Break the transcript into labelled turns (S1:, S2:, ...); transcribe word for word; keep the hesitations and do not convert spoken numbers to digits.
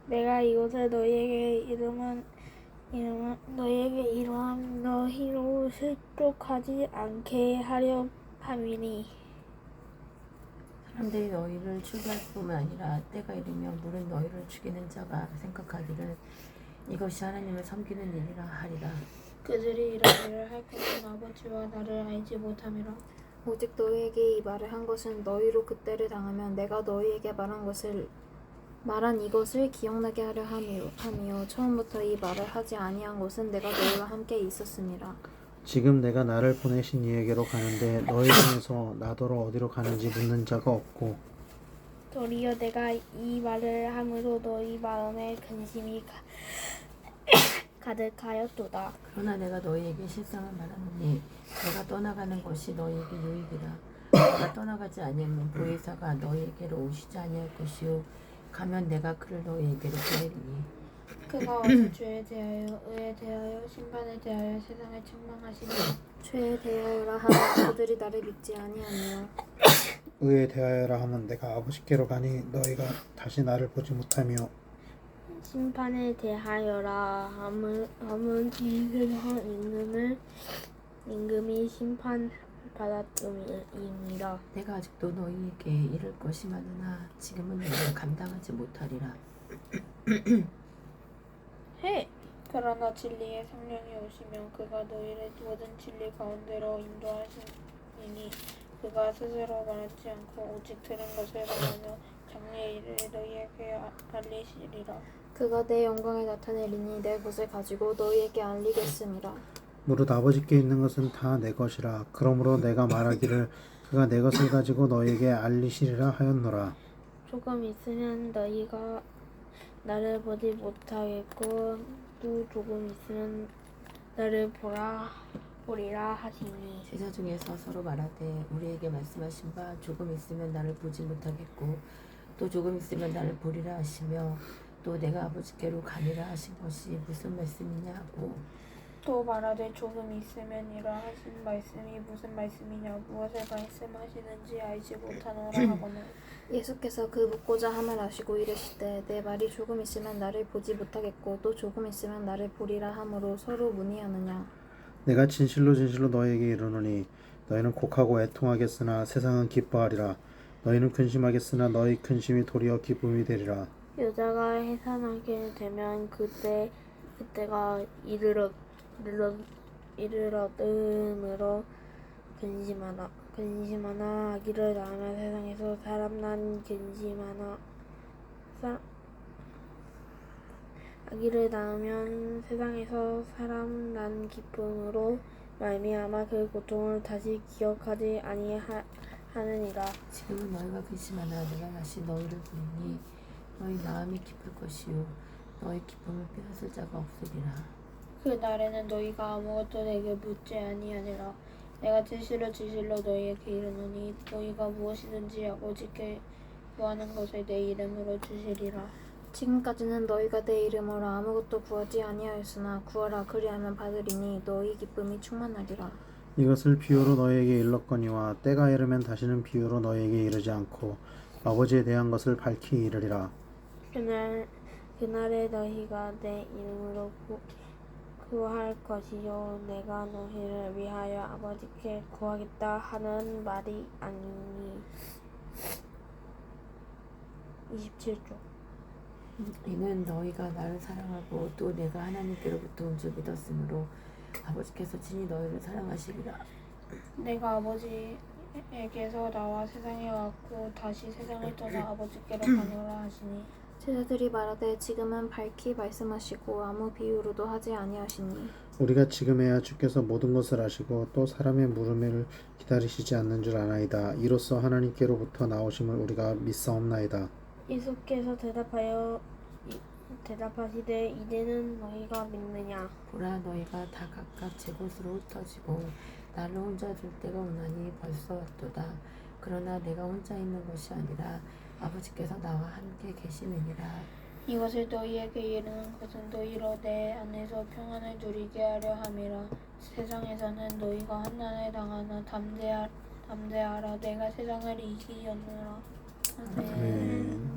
S1: 내가 이곳에 너희에게 이름은 이름은 너희에게 이러한 너희로 실족하지 않게 하려 함이니
S2: 사람들이 너희를 추기할 뿐만 아니라 때가 이르면 물은 너희를 죽이는 자가 생각하기를 이것이 하나님을 섬기는 일이라 하리라.
S1: 그들이 이런 일을 할 것은 아버지와 나를 알지 못함이라.
S3: 오직 너희에게 이 말을 한 것은 너희로 그때를 당하면 내가 너희에게 말한 것을 말한 이것을 기억나게 하려 함이요, 함이요. 처음부터 이 말을 하지 아니한 것은 내가 너희와 함께 있었음이라.
S4: 지금 내가 나를 보내신 이에게로 가는데 너희 중에서 나더러 어디로 가는지 묻는 자가 없고
S1: 도리어 내가 이 말을 함으로 너희 마음에 근심이 가, 가득하였도다.
S2: 그러나 내가 너희에게 실상을 말하노니 내가 떠나가는 것이 너희에게 유익이라. 내가 떠나가지 아니하면 보혜사가 너희에게로 오시지 아니할 것이요 가면 내가 그를 너희에게로 보내리니
S1: 그가 어서 죄에 대하여 의에 대하여 심판에 대하여 세상을 책망하시리라.
S3: 죄에 대하여라 하면 그들이 나를 믿지 아니하며
S4: 의에 대하여라 하면 내가 아버지께로 가니 너희가 다시 나를 보지 못하며
S1: 심판에 대하여라 함은, 함은 이 세상 임금을 임금이 심판받았음이니라.
S2: 내가 아직도 너희에게 이를 것이 많으나 지금은 너희가 감당하지 못하리라.
S1: 해. 그러나 진리의 성령이 오시면 그가 너희를 모든 진리 가운데로 인도하시니 그가 스스로 말하지 않고 오직 들은 것을 말하며 장래의 일을 너희에게 알리시리라.
S3: 그가 내 영광을 나타내리니 내 것을 가지고 너희에게 알리겠음이라.
S4: 무릇 아버지께 있는 것은 다 내 것이라. 그러므로 내가 말하기를 그가 내 것을 가지고 너희에게 알리시리라 하였노라.
S1: 조금 있으면 너희가 나를 보지 못하겠고 또 조금 있으면 나를 보라 보리라 하시니
S2: 제자 중에서 서로 말하되 우리에게 말씀하신 바 조금 있으면 나를 보지 못하겠고 또 조금 있으면 나를 보리라 하시며 또 내가 아버지께로 가니라 하신 것이 무슨 말씀이냐 하고
S1: 또 말하되 조금 있으면이라 하신 말씀이 무슨 말씀이냐 무엇을 말씀하시는지 알지 못하노라 하거늘
S3: 예수께서 그 묻고자 함을 아시고 이르시되 내 말이 조금 있으면 나를 보지 못하겠고 또 조금 있으면 나를 보리라 함으로 서로 문의하느냐.
S4: 내가 진실로 진실로 너희에게 이르노니 너희는 곡하고 애통하겠으나 세상은 기뻐하리라. 너희는 근심하겠으나 너희 근심이 도리어 기쁨이 되리라.
S1: 여자가 해산하게 되면 그때 그때가 이르렀 이르렀 이르렀음으로 근심하나 근심하나 아기를 낳으면 세상에서 사람 난 근심하나 사, 아기를 낳으면 세상에서 사람 난 기쁨으로 말미암아 그 고통을 다시 기억하지 아니하느니라.
S2: 지금은 너희가 근심하나 내가 다시 너희를 부르니 너희 마음이 기쁠 것이요 너희 기쁨을 빼앗을 자가 없으리라.
S1: 그 날에는 너희가 아무것도 내게 묻지 아니하니라. 내가 진실로 진실로 너희에게 이르노니 너희가 무엇이든지 아버지께 구하는 것을 내 이름으로 주시리라.
S3: 지금까지는 너희가 내 이름으로 아무것도 구하지 아니하였으나 구하라 그리하면 받으리니 너희 기쁨이 충만하리라.
S4: 이것을 비유로 너희에게 일렀거니와 때가 이르면 다시는 비유로 너희에게 이르지 않고 아버지에 대한 것을 밝히 이르리라.
S1: 그날 그날에 너희가 내 이름으로 구, 구할 것이요 내가 너희를 위하여 아버지께 구하겠다 하는 말이 아니니. 이십칠 조
S2: 이는 너희가 나를 사랑하고 또 내가 하나님께로부터 온 줄 믿었으므로 아버지께서 친히 너희를 사랑하시리라.
S1: 내가 아버지에게서 나와 세상에 왔고 다시 세상을 떠나 아버지께로 가노라 하시니
S3: 제자들이 말하되 지금은 밝히 말씀하시고 아무 비유로도 하지 아니하시니
S4: 우리가 지금에야 주께서 모든 것을 아시고 또 사람의 물음을 기다리시지 않는 줄 아나이다. 이로써 하나님께로부터 나오심을 우리가 믿사옵나이다.
S1: 예수께서 대답하여 이- 대답하시되 이제는 너희가 믿느냐.
S2: 보라 너희가 다 각각 제 곳으로 흩어지고 나를 혼자 둘 때가 오나니 벌써 왔도다. 그러나 내가 혼자 있는 것이 아니라 아버지께서 나와 함께 계시느니라.
S1: 이것을 너희에게 이르는 것은 너희로 내 안에서 평안을 누리게 하려 함이라. 세상에서는 너희가 환난을 당하나 담대하, 담대하라. 내가 세상을 이기었노라. 아멘.
S4: 아멘.